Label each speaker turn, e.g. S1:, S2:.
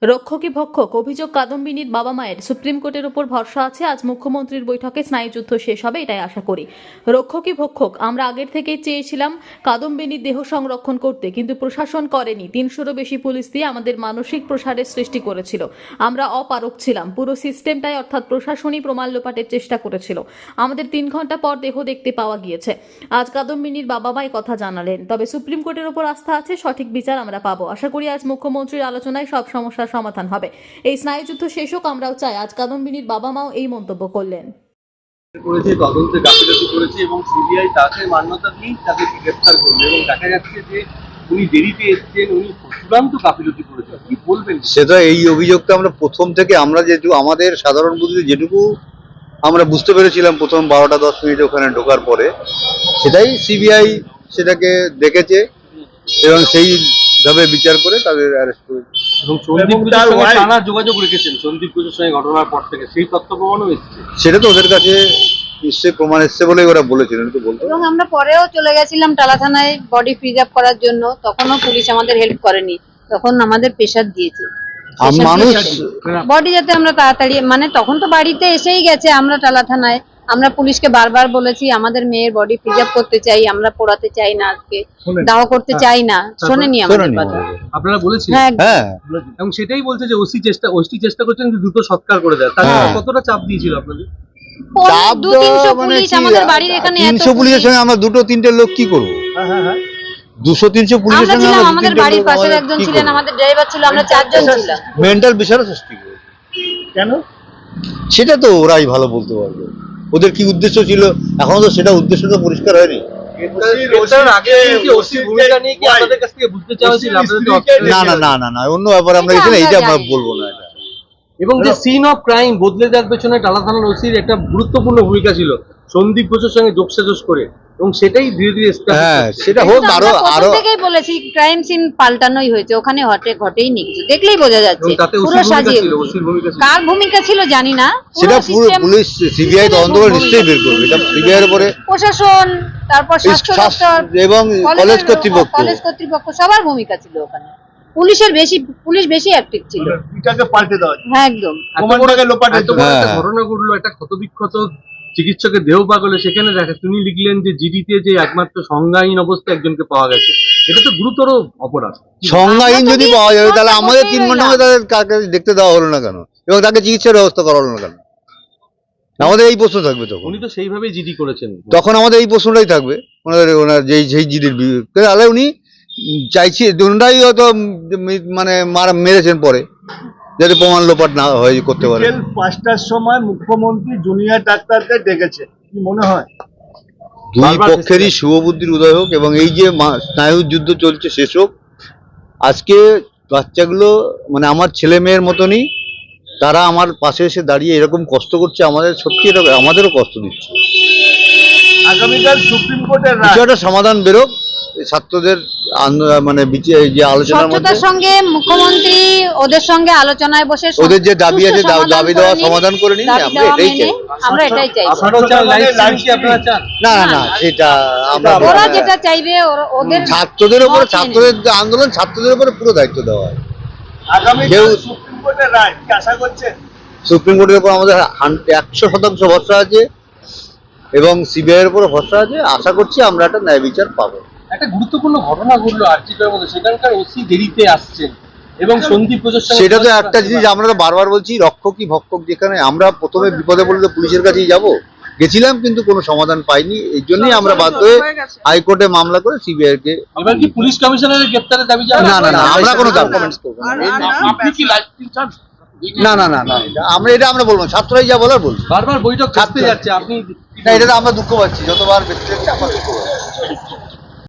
S1: রক্ষকী ভক্ষক অভিযোগ কাদম্বিনীর বাবা মায়ের সুপ্রিম কোর্টের উপর ভরসা আছে। আজ মুখ্যমন্ত্রীর বৈঠকে স্নায়ুযুদ্ধ শেষ হবে, এটাই আশা করি। রক্ষকী ভক্ষক আমরা আগের থেকেই চেয়েছিলাম কাদম্বিনীর দেহ সংরক্ষণ করতে, কিন্তু প্রশাসন করেনি। 300-রও বেশি পুলিশ দিয়ে আমাদের মানসিক প্রসারের সৃষ্টি করেছিল। আমরা অপারক ছিলাম। পুরো সিস্টেমটাই অর্থাৎ প্রশাসনই প্রমাণ লোপাটের চেষ্টা করেছিল। আমাদের 3 ঘন্টা পর দেহ দেখতে পাওয়া গিয়েছে। আজ কাদম্বিনীর বাবা মাই কথা জানালেন। তবে সুপ্রিম কোর্টের উপর আস্থা আছে, সঠিক বিচার আমরা পাবো। আশা করি আজ মুখ্যমন্ত্রীর আলোচনায় সব সমস্যার সমাধান হবে। এই স্নায়ুযুদ্ধ শেষ হোক, আমরাও চাই। আজ কাদম্বিনীর বাবা মাও এই মন্তব্য করলেন।
S2: করেছে, তদন্তে গাফিলতি করেছে এবং সিবিআই তাকে মান্যতা দিয়ে তাদেরকে গ্রেফতার করলো এবং দেখা যাচ্ছে যে উনি দেরিতে এসেছেন, উনি চূড়ান্ত গাফিলতি করেছেন। কি বলবেন?
S3: সেটা এই অভিযোগটা আমরা প্রথম থেকে যেহেতু আমাদের সাধারণ বুদ্ধিতে যেটুকু আমরা বুঝতে পেরেছিলাম প্রথম 12টা 10 মিনিট ওখানে ঢোকার পরে, সেটাই সিবিআই সেটাকে দেখেছে এবং সেইভাবে বিচার করে তাদের অ্যারেস্ট করেছে।
S2: এবং সন্দীপ ঘোষের সঙ্গে টানা যোগাযোগ রেখেছেন, সন্দীপ ঘোষের সঙ্গে ঘটনার পর থেকে সেই তথ্য প্রমাণও এসেছে।
S3: সেটা তো ওদের কাছে নিশ্চয়ই প্রমাণ এসছে বলেই ওরা বলেছিলেন, তো বলতো।
S4: এবং আমরা পরেও চলে গেছিলাম টালা থানায় বডি প্রিজার্ভ করার জন্য, তখনও পুলিশ আমাদের হেল্প করেনি, তখন আমাদের প্রেশার দিয়েছে
S3: মানুষ
S4: বডি যাতে আমরা তাড়াতাড়ি, মানে তখন তো বাড়িতে এসেই গেছে। আমরা টালা থানায় আমরা পুলিশকে বারবার বলেছি আমাদের মেয়ের বডি প্রিজার্ভ করতে চাই, আমরা পোড়াতে চাই না, আজকে দাহ করতে চাই না। শোনেনি আমাদের কথা,
S2: আপনারা বলেছেন?
S3: হ্যাঁ,
S2: এবং সেটাই বলছে যে ওসি চেষ্টা করছেন যে দ্রুত সৎকার করে দেয়। তাহলে কতটা চাপ দিয়েছিল আপনাদের?
S4: 200-300 পুলিশ আমাদের বাড়ির এখানে।
S3: 300 পুলিশের সঙ্গে আমরা 2-3টে লোক কি করবো? 200-300 পুলিশের সঙ্গে
S4: আমরা আমাদের বাড়ির পাশের একজন ছিলেন, আমাদের ড্রাইভার ছিল, আমরা 4 জন ছিলাম।
S3: মেন্টাল বিষয়ের সৃষ্টি করে।
S2: কেন?
S3: সেটা তো ওরাই ভালো বলতে পারবে, ওদের কি উদ্দেশ্য ছিল। এখন তো সেটা উদ্দেশ্য তো পরিষ্কার হয়নি। না, অন্য ব্যাপারে আমরা এখানে এইটা আমরা বলবো না। এটা
S2: এবং যে সিন অফ ক্রাইম বদলে যাওয়ার পেছনে টালা থানার ওসির একটা গুরুত্বপূর্ণ ভূমিকা ছিল, সন্দীপ ঘোষের সঙ্গে যোগসাজশ করে, এবং সেটাই ধীরে ধীরে
S3: সেটা হোক। আরো
S4: থেকেই বলেছি ক্রাইম সিন পাল্টানোই হয়েছে, ওখানে ঘটেই নি কিছু, দেখলেই বোঝা যাচ্ছে পুরো সাজিয়ে। কার ভূমিকা ছিল জানি না,
S3: সেটা পুরো পুলিশ সিবিআই তদন্ত করে নিশ্চয়ই বের করবে। এটা সিবিআই এর উপরে
S4: প্রশাসন, তারপর স্বাস্থ্য দপ্তর
S3: এবং কলেজ
S4: কর্তৃপক্ষ সবার ভূমিকা ছিল ওখানে। পুলিশ বেশি অ্যাক্টিভ ছিল।
S2: এটাকে পাল্টে দেওয়া,
S4: হ্যাঁ একদম।
S2: ঘটনা ঘটলো, একটা ক্ষতবিক্ষত চিকিৎসকের দেহ পাগলে, সেখানে দেখা তিনি লিখলেন যে জিডিতে যে একমাত্র সংজ্ঞাহীন অবস্থায় একজনকে পাওয়া গেছে। এটা তো গুরুতর অপরাধ।
S3: সংজ্ঞাহীন যদি পাওয়া যাবে তাহলে আমাদের 3 ঘন্টা তাদের কাকে দেখতে দেওয়া হলো না কেন, এবং তাকে চিকিৎসার ব্যবস্থা করা হলো না কেন? আমাদের এই প্রশ্ন থাকবে তখন।
S2: উনি তো সেইভাবেই জিডি করেছেন,
S3: তখন আমাদের এই প্রশ্নটাই থাকবে। ওনার যেই জিডির তাহলে উনি চাইছি ওনারাই হয়তো মানে মেরেছেন পরে, যাতে প্রমাণ লোপাট না হয় করতে পারে।
S5: 5টার সময় মুখ্যমন্ত্রী জুনিয়র ডাক্তারদের ডেকেছে, কি মনে হয়?
S3: দুই পক্ষেরই শুভবুদ্ধির উদয় হোক এবং এই যে স্নায়ুর যুদ্ধ চলছে শেষ হোক। আজকে বাচ্চাগুলো মানে আমার ছেলে মেয়ের মতনই, তারা আমার পাশে এসে দাঁড়িয়ে এরকম কষ্ট করছে, আমাদের সত্যি এটা আমাদেরও কষ্ট দিচ্ছে।
S5: আগামীকাল সুপ্রিম কোর্টের রায়,
S3: বিষয়টা সমাধান বেরোক। ছাত্রদের মানে যে আলোচনার মধ্যে
S4: সঙ্গে মুখ্যমন্ত্রী ওদের সঙ্গে আলোচনায় বসে
S3: ওদের যে দাবি আছে দাবি দেওয়া সমাধান করে নিন।
S4: আমরা এটাই চাই।
S3: না, সেটা আমরা
S4: ওরা যেটা চাইবে ওদের
S3: ছাত্রদের উপরে, ছাত্রদের আন্দোলন, ছাত্রদের উপরে পুরো দায়িত্ব দেওয়া হয়।
S5: আগামীকাল সুপ্রিম কোর্টের রায় কি আশা করছেন?
S3: সুপ্রিম কোর্টের উপর আমাদের 100% ভরসা আছে এবং সিবিআই এর উপর ভরসা আছে। আশা করছি আমরা একটা ন্যায় বিচার পাবো।
S2: একটা গুরুত্বপূর্ণ ঘটনা ঘটলো আরজিকরের মধ্যে, সেখানকার ওসি দেরিতে আসছেন এবং সন্দীপ ঘোষের সঙ্গে।
S3: সেটা তো একটা জিনিস আমরা তো বারবার বলছি, রক্ষকই ভক্ষক। যেখানে আমরা প্রথমে বিপদে পড়লে পুলিশের কাছেই গেছিলাম, কিন্তু কোনো সমাধান পাইনি। এই জন্যই আমরা বাধ্য হয়ে হাইকোর্টে মামলা করে সিবিআই কে।
S2: এবার কি পুলিশ কমিশনারের গ্রেফতারের দাবি জানাবেন?
S3: না, আমরা কোনো দাবি করব না।
S2: আপনি কি লাইফ চান?
S3: না, এটা আমরা বলবো, ছাত্ররাই যা বলার বলবো।
S2: বারবার বৈঠক করতে যাচ্ছে, আপনি
S3: না, এটা তো আমরা দুঃখ পাচ্ছি, যতবার ব্যক্তি হচ্ছে আমরা দুঃখ পাচ্ছি।